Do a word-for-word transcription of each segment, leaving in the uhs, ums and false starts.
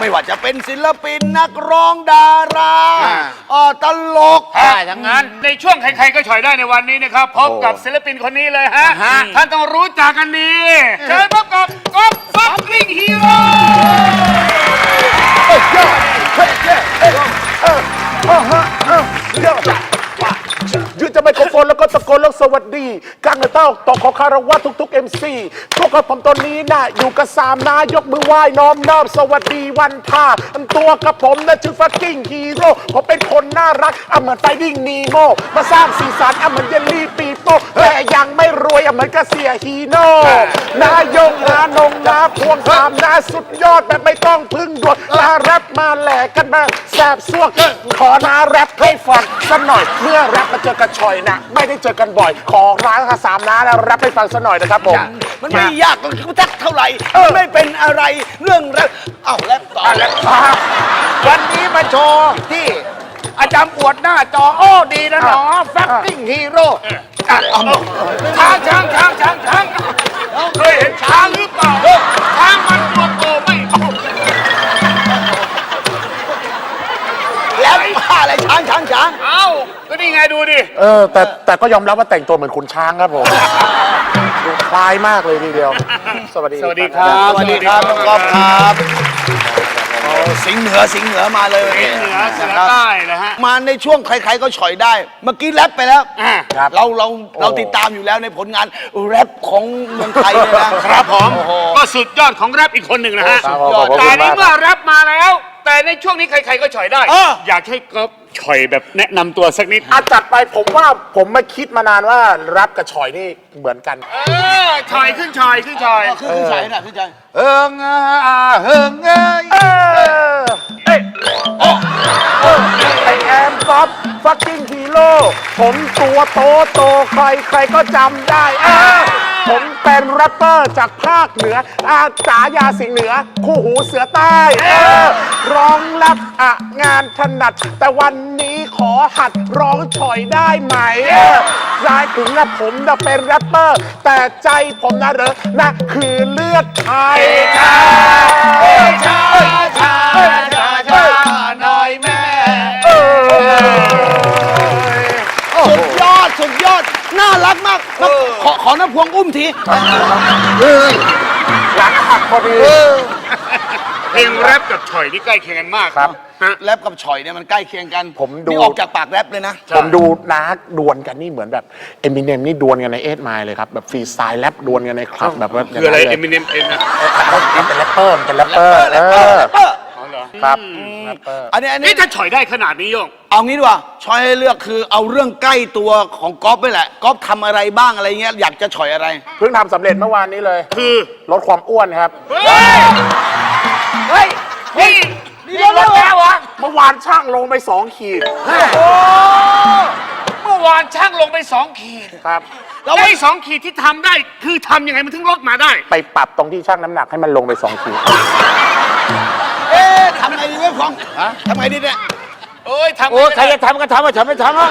ไม่ว่าจะเป็นศิลปินนักร้องดาราอ๋อตลกอย่างนั้นในช่วงใครๆก็ฉ่อยได้ในวันนี้นะครับพบกับศิลปินคนนี้เลยฮะท่านต้องรู้จักกันดีเชิญพบกับก๊อฟฟักกิ้งฮีโร่ยืนจะไมโครโฟนแล้วก็ตะโกนแล้วสวัสดีกังเต้าต่อขอคารวะทุกๆ เอ็ม ซี พวกกับผมตอนนี้นะอยู่กับสามนายกมือไหว้น้อมน้อมสวัสดีวันท่าตัวกับผมนะชื่อฟักกิ้งฮีโร่ผมเป็นคนน่ารักอ่ะเหมือนไฟดิ้งนีโมมาสร้างสีสันอ่ะเหมือนเยลลี่ปีโป้แต่ยังไม่รวยอ่ะเหมือนกระเสียฮีโน่นายกนานงนาพวงสามนาสุดยอดแบบไม่ต้องพึ่งดวงนาแรปมาแหลกกันมาแสบสวกขอนาแรปให้ฟังสักหน่อยเมื่อแรปมาเจอกันชอยนะไม่ได้เจอกันบ่อยขอร้านสามน้าแล้วแรปให้ฟังสักหน่อยนะครับผมมันไม่ยากก็ทักเท่าไหร่ไม่เป็นอะไรเรื่องแรปเอ้าแรปต่อแรปวันนี้มาโชว์ที่อาจารย์อวดหน้าจอโอ้ดีนะหนอฟักกิ้งฮีโร่ช้างช้างช้างช้างช้างเคยเห็นช้างหรือเปล่าช้างมันตัวโตไม่แล้วว่าอะไรช้างช้างช้างเอ้าก็นี่ไงดูดิเออแต่แต่ก็ยอมรับว่าแต่งตัวเหมือนขุนช้างครับผมดูคล้ายมากเลยทีเดียวสวัสดีสวัสดีครับสวัสดีครับน้องก๊อฟครับสิงห์เหนือสิงห์เหนือมาเลยสิงห์เหนือเสือใต้นะฮะมาในช่วงใครๆก็ฉ่อยได้เมื่อกี้แรปไปแล้วเราเราเราติดตามอยู่แล้วในผลงานแรปของเมืองไทยเลยนะครับผมก็สุดยอดของแรปอีกคนหนึ่งนะฮะแต่ในเมื่อแรปมาแล้วแต่ในช่วงนี้ใครๆก็ฉ่อยได้อยากให้ก๊อฟฉ่อยแบบแนะนำตัวสักนิดอาจัดไปผมว่าผมมาคิดมานานว่าแรปกับฉ่อยนี่เหมือนกันเออฉ่อยขึ้นฉ่อยขึ้นฉ่อยขึ้นฉ่อยน่ะขึ้นฉ่อยเอิงอ่าเฮิงเอ้ยเอ้ยไอแอมก๊อฟฟักกิ้งฮีโร่ผมตัวโตโตใครใครก็จำได้เออผมเป็นแรปเปอร์จากภาคเหนืออาจายาสิงห์เหนือคู่หูเสือใต้เออร้องแรปอะงานถนัดแต่วันนี้ขอหัดร้องฉ่อยได้ไหมรายถึงนะผมจะเป็นแรปเปอร์แต่ใจผมนะเหรอนะคือเลือดไทยชาชาชาชาชาหน่อยแม่สุดยอดสุดยอดน่ารักมากขอขอน้ำพวงอุ้มทีหลังหักพอดีเพลงแรปกับฉ่อยนี่ใกล้เคียงกันมากครับแรปกับฉ่อยเนี่ยมันใกล้เคียงกันผมดูออกจากปากแรปเลยนะผมดูนักดวลกันนี่เหมือนแบบเอมิเนมนี่ดวลกันในเอทไมล์เลยครับแบบฟรีสไตล์แรปดวลกันในคลับแบบว่าคืออะไรเอมิเนมเองนะเป็นแรปเปอร์เป็นแรปเปอร์เออครับอันนี้อันนี้ถ้าฉ่อยได้ขนาดนี้โยงเอางี้ดีกว่าฉ่อยให้เลือกคือเอาเรื่องใกล้ตัวของก๊อฟไปแหละก๊อฟทำอะไรบ้างอะไรเงี้ยอยากจะฉ่อยอะไรเพิ่งทำสำเร็จเมื่อวานนี้เลยคือลดความอ้วนครับเฮ้ยนี่นี่ลดแล้ววะเมื่อวานช่างลงไปสองขีดโอ้เมื่อวานช่างลงไปสองขีดครับแล้วไอ้สองขีดที่ทำได้คือทำยังไงมันถึงลดมาได้ไปปรับตรงที่ช่างน้ำหนักให้มันลงไปสองขีดเอ๊ะทำไงดีเว้ยฟองทำไงดีเนี่ยโอ้ยทำโอ้ใครจะทำก็ทำว่าฉันไม่ทำอ่ะ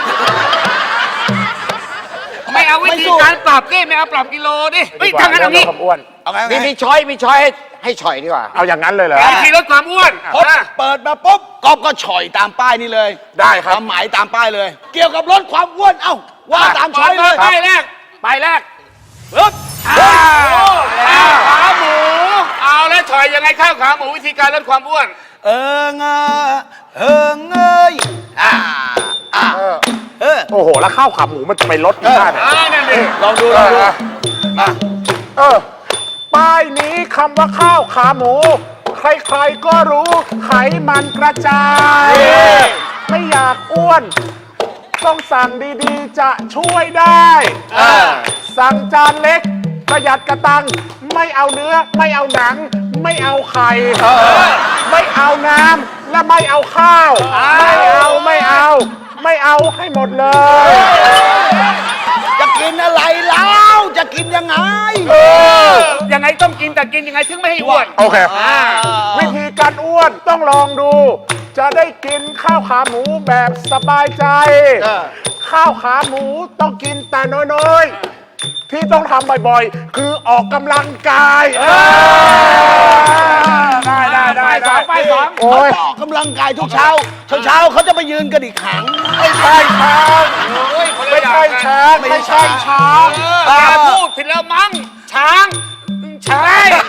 ไม่เอาวิธีการปรับดิไม่เอาปรับกิโลดิเฮ้ยทำงั้นเอางี้มีมีช้อยมีช้อยให้ฉ่อยดีกว่าเอาอย่างนั้นเลยเหรอวิธีลดความอ้วนพอเปิดมาปุ๊บก๊อฟก็ฉ่อยตามป้ายนี่เลยได้ครับหมายตามป้ายเลยเกี่ยวกับลดความอ้วนเอ้าว่าตามช้อยเลยป้ายแรกป้ายแรกปึ๊บข้าวขาหมูเอาแล้วฉ่อยยังไงข้าวขาหมูวิธีการลดความอ้วนเออเงอเออเงยอ่าอ่าเออโอ้โหแล้วข้าวขาหมูมันจะไปลดได้ไหมลองดูลองดูอ่ะเออป้ายนี้คำว่าข้าวขาหมูใครๆก็รู้ไขมันกระจายไม่อยากอ้วนต้องสั่งดีๆจะช่วยได้สั่งจานเล็กประหยัดกระตังไม่เอาเนื้อไม่เอาหนังไม่เอาไข่ไม่เอาน้ำและไม่เอาข้าวไม่เอาไม่เอาไม่เอาให้หมดเลยจะกินอะไรแล้วจะกินยังไงยังไงต้องกินแต่กินยังไงถึงไม่ให้อ้วนโอเควิธีการอ้วนต้องลองดูจะได้กินข้าวขาหมูแบบสบายใจข้าวขาหมูต้องกินแต่น้อยๆที่ต้องทำบ่อยๆคือออกกำลังกายได้ได้ได้ได้ไปสองเขาจะออกกำลังกายทุกเช้า เช้าเช้าเขาจะไปยืนกระดิกหางไม่ใช่ช้างไม่ใช่ช้างไม่ใช่ช้างอย่าพูดผิดแล้วมั้งช้างใช่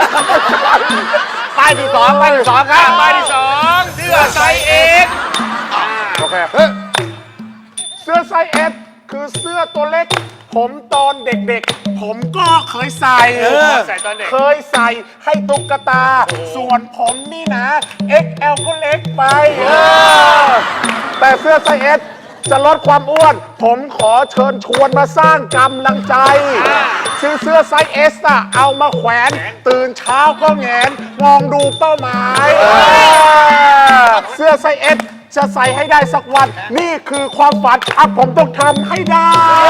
ป้ายที่สองป้ายที่สองครับป้ายที่สองเสื้อไซส์เอ็กโอเคเสื้อไซส์เอสคือเสื้อตัวเล็ก ผมตอนเด็กๆ ผมก็เคยใส่ใส่ตอนเด็กเคยใส่ให้ตุ๊กตา ส่วนผมนี่นะ เอ็กซ์ แอล ก็เล็กไปเออแต่เสื้อไซส์เอสจะลดความอ้วน ผมขอเชิญชวนมาสร้างกำลังใจ ซื้อเสื้อไซส์เอสอะเอามาแขวน ตื่นเช้าก็แงน มองดูเป้าหมายเออเสื้อไซส์เอสจะใส่ให้ได้สักวัน นี่คือความฝันอ่ะผมต้องทำให้ได้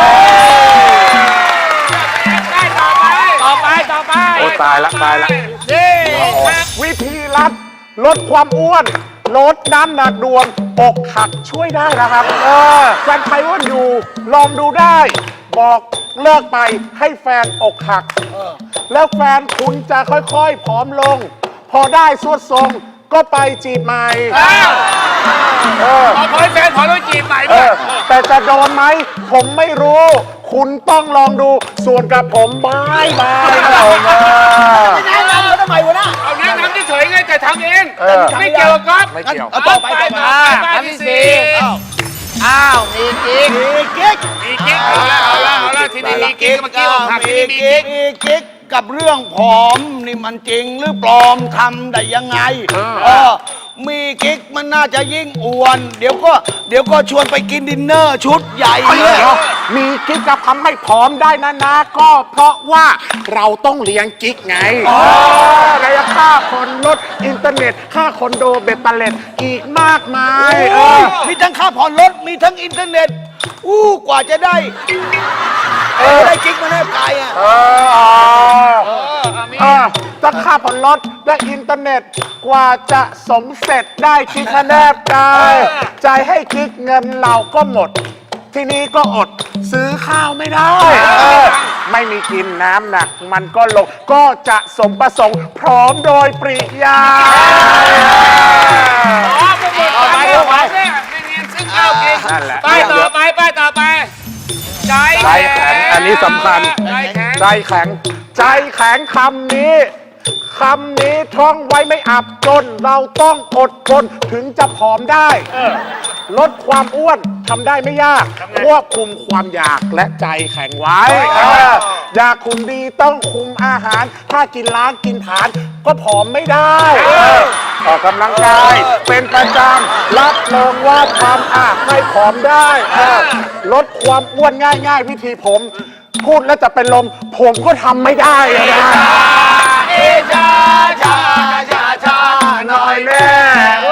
ได้ต่อไปต่อไปต่อไปโอ้ตายละตายละนี่วิธีลัดลดความอ้วน ลดน้ำหนักดวงอกหักช่วยได้นะครับเออแฟนใครอ้วนอยู่ ลองดูได้ บอกเลิกไปให้แฟนอกหัก แล้วแฟนคุณจะค่อยๆผอมลง พอได้สวดทรงก็ไปจีบใหม่ขอขอให้แฟนขอต้องจีบใหม่เอด้วยอแต่จะโดนไหม ผมไม่รู้ คุณต้องลองดู ส่วนกับผมบายบายเอามาแนะนำเขาทำไมวะน่ะเอาแนะนำเฉยๆไงแต่ทำเองเออไม่เกี่ยวกับก๊อฟไม่เกี่ยวเอาต่อไปต่อมาป้ายที่สี่อ้าวมีกิ๊กมีกิ๊กมีกิ๊กเอาละเอาละเอาละทีนี้มีกิ๊กเมื่อกี้อกหักทีมีนี้มีกิ๊กิ๊กกมีกิ๊กกับเรื่องผอมนี่มันจริงหรือปลอมทำได้ยังไงเออมีกิ๊กมันน่าจะยิ่งอ้วน เดี๋ยวก็เดี๋ยวก็ชวนไปกินดินเนอร์ชุดใหญ่เลยมีกิ๊กจะทำให้ผอมได้นะนะ ก็เพราะว่าเราต้องเลี้ยงกิ๊กไงระยะค่าคนลดอินเทอร์เน็ต ค่าคอนโดเบ็ดเตล็ดอีกมากมายเออมีทั้งค่าผ่อนรถมีทั้งอินเทอร์เน็ตอู้กว่าจะได้เออได้กิ๊กมาแนบกายอ่ะเออเออจะค่าผ่อนรถและอินเทอร์เน็ต กว่าจะสมเสร็จได้กิ๊กมาแนบกายจ่ายให้กิ๊กเงินเราก็หมด ทีนี้ก็อดซื้อข้าวไม่ได้เออไม่มีกินน้ำหนักมันก็ลง ก็จะสมประสงค์พร้อมโดยปริยายอ๋อไปหมดไปหมดไปไม่เรียนซื้อข้าวกินนั่นแหละป้ายต่อไปป้ายต่อไปใจใจแข็งอันนี้สำคัญใจแข็งใจแข็ง ใจแข็งคำนี้ คำนี้ท่องไว้ไม่อับจน เราต้องอดทนถึงจะผอมได้ ลดความอ้วนทำได้ไม่ยาก ควบคุมความอยากและใจแข็งไว้เอออยากคุมดีต้องคุมอาหาร ถ้ากินล้างกินผลานก็ผอมไม่ได้เออออกกำลังกายเป็นประจำรับรองว่าทำอาจให้ผอมได้เออลดความอ้วนง่าย ๆ วิธีผม พูดแล้วจะเป็นลม ผมก็ทำไม่ได้อะนะเอชาชาชาชาหน่อยแน่เอ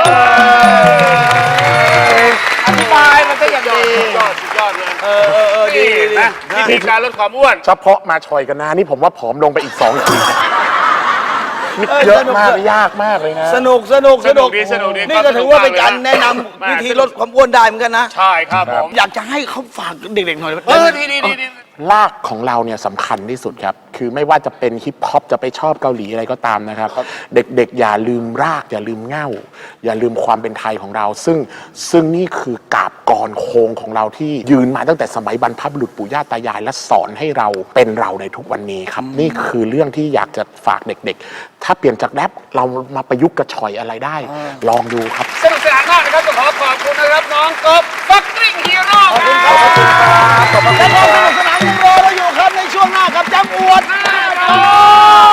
ออธิบายมันก็อย่างดียอดสุดยอดเลยเออเออเออดีนะวิธีการลดความอ้วนเฉพาะมาชอยกันนะนี่ผมว่าผอมลงไปอีกสองขีดนี่เยอะมากเลยยากมากเลยนะสนุกสนุกสนุกดีสนุกดีนี่ก็ถือว่าเป็นการแนะนำมากวิธีลดความอ้วนได้เหมือนกันนะใช่ครับผมอยากจะให้เขาฝากเด็กๆหน่อยเออดีดีดีดีรากของเราเนี่ยสำคัญที่สุดครับ คือไม่ว่าจะเป็นฮิปฮอปจะไปชอบเกาหลีอะไรก็ตามนะครับ เด็กๆ อย่าลืมราก อย่าลืมเหง้า อย่าลืมความเป็นไทยของเรา ซึ่งซึ่งนี่คือกาบกรโคงของเราที่ยืนมาตั้งแต่สมัยบรรพบุรุษปู่ย่าตายาย และสอนให้เราเป็นเราในทุกวันนี้ครับ นี่คือเรื่องที่อยากจะฝากเด็กๆ ถ้าเปลี่ยนจากแรปเรามาประยุกต์กระชอยอะไรได้ ลองดูครับสนุกสนานมากนะครับต้องขอขอบคุณนะครับน้องกบฟักกิ้งฮีโร่ขอบคุณครับขอบคุณครับแล้วก็สนุกสนานยังรอเราอยู่ครับในช่วงหน้ากับจำอวด